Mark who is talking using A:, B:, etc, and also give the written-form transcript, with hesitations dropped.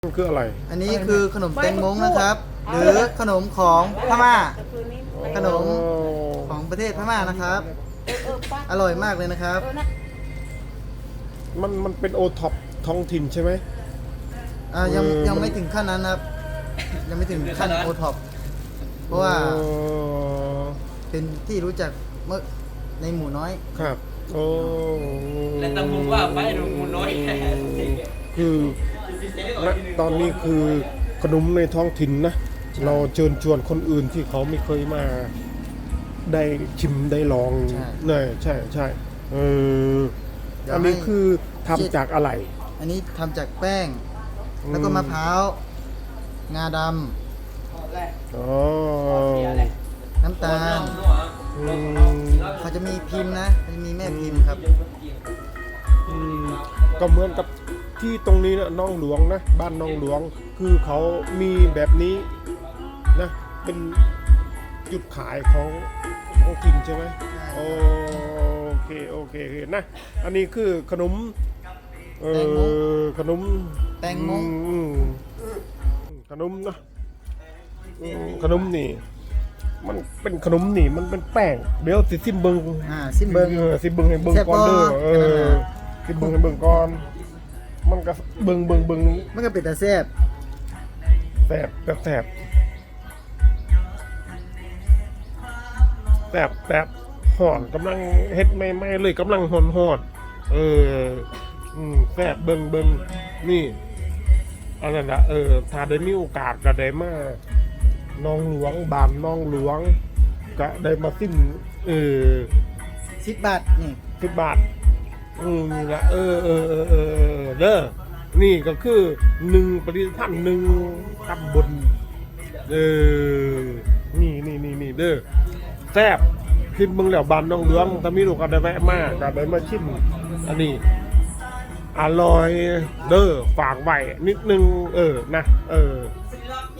A: มันคืออะไร
B: อันนี้คือขนมแตงมงนะครับ หรือขนมของพม่า ขนมของประเทศพม่านะครับ อร่อยมากเลยนะครับ
A: มันเป็นโอท็อปท้องถิ่นใช่ไหม
B: ยังไม่ถึงขั้นนั้นครับ ยังไม่ถึงขั้นโอท็อปเพราะว่าเป็นที่รู้จักเมื่อในหมู่น้อย
A: ครับโอ้
C: และตำบลว่าไปดูมูน้อย
A: คือณตอนนี้คือขนมในท้องถิ่นนะ เราเชิญชวนคนอื่นที่เขาไม่เคยมาได้ชิมได้ลอง
B: ใช่
A: เนี่ยใช่ใช่อันนี้คือทำจากอะไร
B: อันนี้ทำจากแป้ง แล้วก็มะพร้าว งาด
A: อ๋อ
B: ำ น้ำตาล
A: อืม
B: เขาจะมีพิมพ์นะเขาจะมีแม่พิมพ์ครับ
A: อืมก็เหมือนกับที่ตรงนี้นะน้องหลวงนะ บ้านน้องหลวงคือเขามีแบบนี้นะ เป็นจุดขายของถิ่นใช่ไหม
B: ใช่
A: โอเคโอเคนะ อันนี้คือขนมขนม
B: แตงมง
A: ขนมนะขนมนี่ มันเป็นขนมนี่มันเป็นแป้งเดี๋ยวสิซิมเบิง
B: ซิมเบิง
A: สิเบิงให้เบิงก่อนเด้อ
B: แซ่บบ่
A: สิเบิงให้เบิงก่อน มันก็เบิงนี่
B: มันก็เป็นตาแซ่บ
A: แสบก็แสบห่อนกำลังเฮ็ดไม่เลยกำลังห่อนแสบเบิงนี่อันนั้นนะถ้าได้มีโอกาสก็ได้มาน้องหลวงบานน้องหลวงก็ได้มาซิม
B: 10 บาทนี่
A: 10 บาทนี่ละเด้อนี่ก็คือ1ผลิตภัณฑ์1ตำบลนี่เด้อแซ่บขึ้นเมืองแล้วบานน้องหลวงถ้ามีลูกก็ได้แวะมาก็ได้มาชิมอันนี้อร่อยเด้อฝากไว้นิดนึงนะ